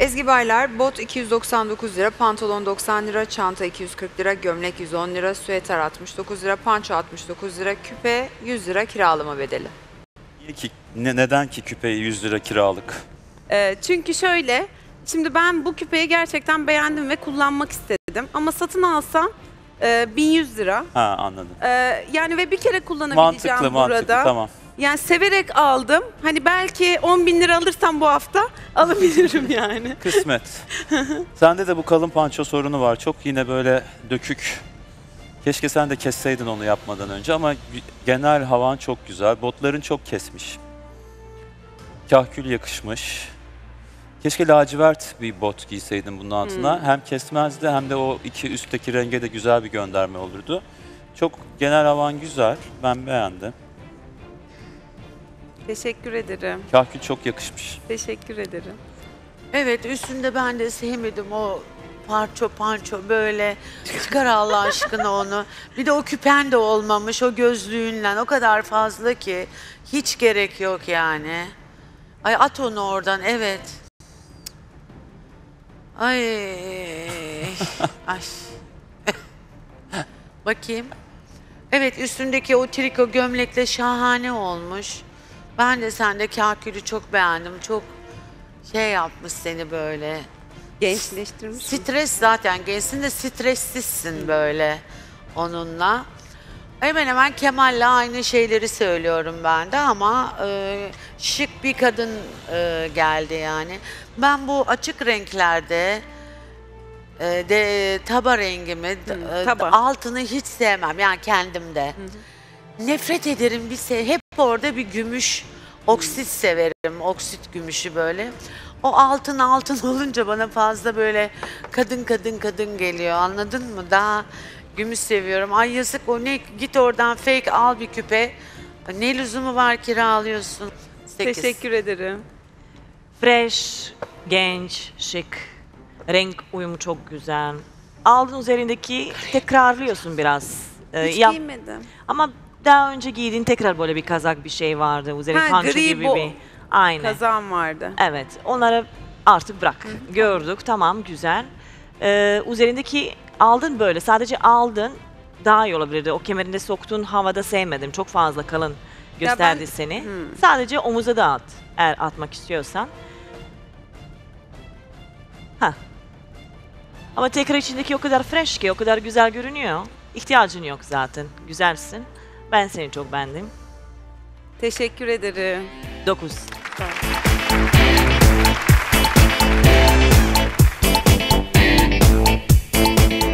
Ezgi Baylar, bot 299 lira, pantolon 90 lira, çanta 240 lira, gömlek 110 lira, süeter 69 lira, panço 69 lira, küpe 100 lira kiralama bedeli. Neden ki küpeyi 100 lira kiralık? Çünkü şöyle, şimdi ben bu küpeyi gerçekten beğendim ve kullanmak istedim. Ama satın alsam 1100 lira. Ha, anladım. Yani ve bir kere kullanabileceğim burada. Mantıklı, tamam. Yani severek aldım. Hani belki 10.000 lira alırsam bu hafta alabilirim yani. Kısmet. Sende de bu kalın panço sorunu var. Çok yine böyle dökük. Keşke sen de kesseydin onu yapmadan önce ama genel havan çok güzel. Botların çok kesmiş. Kahkül yakışmış. Keşke lacivert bir bot giyseydin bunun altına. Hem kesmezdi hem de o iki üstteki renge de güzel bir gönderme olurdu. Çok genel havan güzel. Ben beğendim. Teşekkür ederim. Kahkül çok yakışmış. Teşekkür ederim. Evet, üstünde ben de sevmedim o panço böyle. Çıkar Allah aşkına onu. Bir de o küpen de olmamış o gözlüğünle. O kadar fazla ki hiç gerek yok yani. Ay at onu oradan, evet. Ay. Ay. Bakayım. Evet, üstündeki o triko gömlekle şahane olmuş. Ben de sende kahkülü çok beğendim. Çok şey yapmış seni böyle. Gençleştirmiş. Stres zaten gençsin de stressizsin böyle onunla. Hemen hemen Kemal'le aynı şeyleri söylüyorum ben de ama şık bir kadın geldi yani. Ben bu açık renklerde taba rengimi, Taba. altını hiç sevmem yani kendimde. Nefret ederim hep orada bir gümüş, oksit severim, oksit gümüşü böyle. O altın olunca bana fazla böyle kadın geliyor, anladın mı? Daha gümüş seviyorum. Ay yazık o ne, git oradan fake al bir küpe. Ne lüzumu var kiralıyorsun? 8. Teşekkür ederim. Fresh, genç, şık. Renk uyumu çok güzel. Aldığın üzerindeki tekrarlıyorsun biraz. Hiç giymedim. Ama daha önce giydiğin tekrar böyle bir kazak bir şey vardı. Üzerine Ha, panço gri gibi bu. bir. Aynen. Kazağım vardı. Evet. Onları artık bırak. Gördük. Tamam güzel. Üzerindeki aldın böyle. Sadece aldın. Daha iyi olabilirdi. O kemerinde soktuğun havada sevmedim. Çok fazla kalın gösterdi seni. Sadece omuza da at. Eğer atmak istiyorsan. Ha. Ama tekrar içindeki o kadar fresh ki, o kadar güzel görünüyor. İhtiyacın yok zaten. Güzelsin. Ben seni çok beğendim. Teşekkür ederim. 9. Tamam.